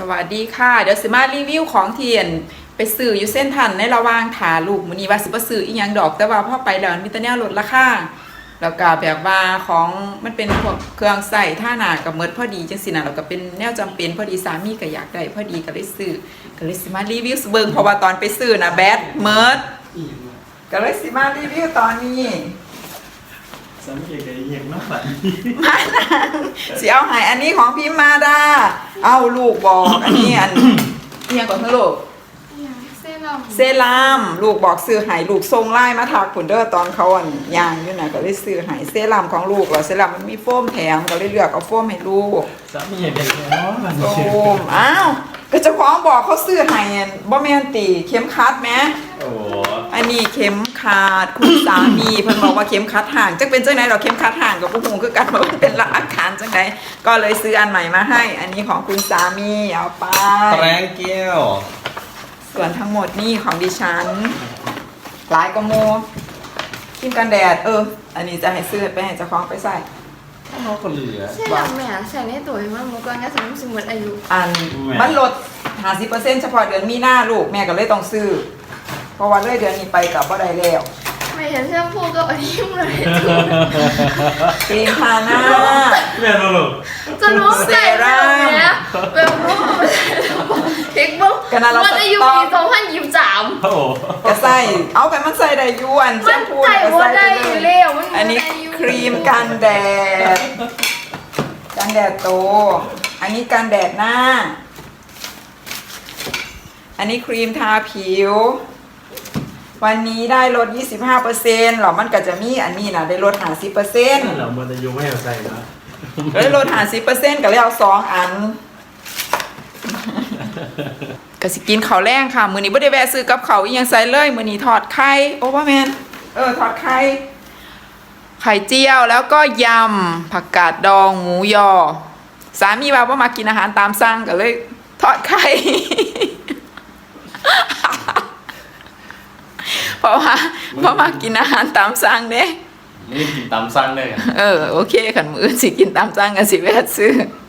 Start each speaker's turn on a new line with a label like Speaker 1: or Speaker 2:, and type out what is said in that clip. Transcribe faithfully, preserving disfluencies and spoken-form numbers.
Speaker 1: วัสดีค่ะเดี๋ยวสิมารีวิวของเทียนไปซื้ออยู่เส้นทันในระหว่างถาลูกมื้อนี้ว่าสิบ่ซื้ออีหยังดอกแต่ว่าพอไปแล้วมีแต่แนวลดราคาแล้วก็แบบว่าของมันเป็นพวกเครื่องใส่ท่าหน้ากับเมิดพอดีจังซี่นะแล้วก็เป็นแนวจำเป็นพอดีสามีก็อยากได้พอดีก็เลยซื้อก็เลยสิมารีวิวเบิ่งเพราะว่าตอนไปซื้อนะแบดเมิดก็เลยสิมารีวิวตอนนี้
Speaker 2: สังเกตได้ยังมากกว่า
Speaker 1: มาสิเอาให้อันนี้ของพี่มาดาเอาลูกบอกอันนี้อันเรียกก่อนเถอะลูก
Speaker 3: เซรั่ม
Speaker 1: เซรั่มลูกบอกซื้อให้ลูกทรงไล่มาถักผุนเด้อตอนเขาอันย่างอยู่น่ะก็เลยซื้อให้เซรั่มของลูกเหรอเซรั่มมันมีโฟมแถมก็เลยเลือกเอาโฟมให้ลูก
Speaker 2: สามีเด็กเนาะ
Speaker 1: โฟมอ้าวก็เจ้าของบอกเขาซื้อให้บ่แม่นติเข็มขัดแหม
Speaker 2: โอ้
Speaker 1: อันนี้เข็มขัดคุณสามีเพิ่นบอกว่าเข็มขัดห่างจักเป็นจังได๋ดอกเข็มขัดห่างกับผู้ฮู้คือกันว่ามันเป็นอาการจังได๋ก็เลยซื้ออันใหม่มาให้ อันนี้ของคุณสามีเอาไป
Speaker 2: แปรงแก้ว
Speaker 1: ส่วนทั้งหมดนี่ของดิฉันหลายกว่าโมครีมกันแดดเอออันนี้จะให้ซื้อไปให้เจ้าของไปใส่
Speaker 2: เขาก็เหลือ
Speaker 3: เซรั่มแม่ใส่ในตัวมันมุกก็สมมติอายุ
Speaker 1: อันมันลด ห้าสิบเปอร์เซ็นต์ เฉพาะเดือนมีนาลูกแม่ก็เลยต้องซื้อเพราะว่าเลยเดือนนี้ไปกับบ่ได้แล้ว
Speaker 3: ไม่เห็นแชมพูก็อันนี้เลย
Speaker 1: ครีมทาหน้า
Speaker 2: แม่นบ่ลูก
Speaker 3: จะรู้ใส่แบบเนี้ยแบบรู้เทคบุ๊กมันอายุปีสองพันยี่สิบสาม
Speaker 2: โอ้โห
Speaker 1: ก็ใส่เอาไปมันใส่ได้อยู่อันแชมพู
Speaker 3: ก็ใส่ได้แล้ว
Speaker 1: อันนี้ครีมกันแดดกันแดดโตอันนี้กันแดดหน้าอันนี้ครีมทาผิววันนี้ได้ลด ยี่สิบห้าเปอร์เซ็นต์ หรอมันก็จะมีอันนี้นะได้ลด ห้าสิบเปอร์เซ็นต์
Speaker 2: เรามันจะอยู่ไม่เอาใส่นะ
Speaker 1: ได้ลด ห้าสิบเปอร์เซ็นต์ ก็เลยเอาสองอันก็สิกินข้าวแรงค่ะมื้อนี้บ่ได้แวะซื้อกับข้าวอีหยังใส่เลยมื้อนี้ทอดไข่โอ้บ่แม่นเออทอดไข่ไข่เจียวแล้วก็ยำผักกาดดองหมูยอสามีว่าบ่มากินอาหารตามสั่งก็เลยทอดไข่เพราะว่าเพราะมากินอาหารตามสั่งเด้
Speaker 2: ไม่กินตามสั่งเลย
Speaker 1: เออโอเคขันมือสิกินตามสั่งกันสิแวะซื้อ